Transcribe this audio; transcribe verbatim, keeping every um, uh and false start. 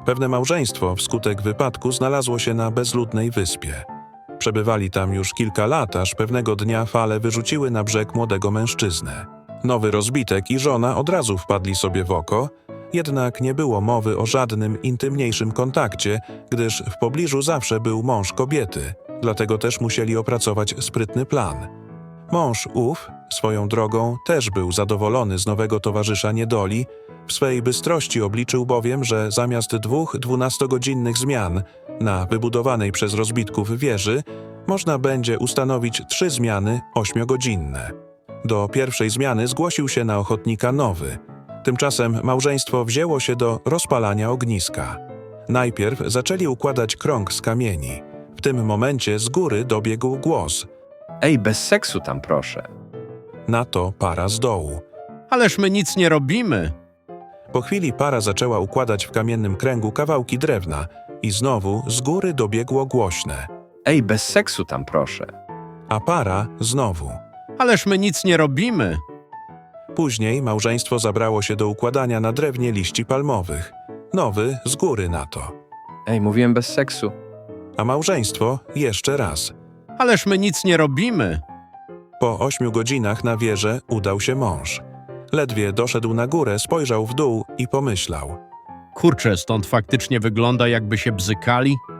Pewne małżeństwo wskutek wypadku znalazło się na bezludnej wyspie. Przebywali tam już kilka lat, aż pewnego dnia fale wyrzuciły na brzeg młodego mężczyznę. Nowy rozbitek i żona od razu wpadli sobie w oko, jednak nie było mowy o żadnym intymniejszym kontakcie, gdyż w pobliżu zawsze był mąż kobiety, dlatego też musieli opracować sprytny plan. Mąż ów, swoją drogą, też był zadowolony z nowego towarzysza niedoli, w swej bystrości obliczył bowiem, że zamiast dwóch dwunastogodzinnych zmian na wybudowanej przez rozbitków wieży można będzie ustanowić trzy zmiany ośmiogodzinne. Do pierwszej zmiany zgłosił się na ochotnika nowy. Tymczasem małżeństwo wzięło się do rozpalania ogniska. Najpierw zaczęli układać krąg z kamieni. W tym momencie z góry dobiegł głos. Ej, bez seksu tam proszę. Na to para z dołu. Ależ my nic nie robimy. Po chwili para zaczęła układać w kamiennym kręgu kawałki drewna i znowu z góry dobiegło głośne. Ej, bez seksu tam proszę. A para znowu. Ależ my nic nie robimy. Później małżeństwo zabrało się do układania na drewnie liści palmowych. Nowy z góry na to. Ej, mówiłem bez seksu. A małżeństwo jeszcze raz. Ależ my nic nie robimy. Po ośmiu godzinach na wieżę udał się mąż. Ledwie doszedł na górę, spojrzał w dół i pomyślał. Kurczę, stąd faktycznie wygląda, jakby się bzykali.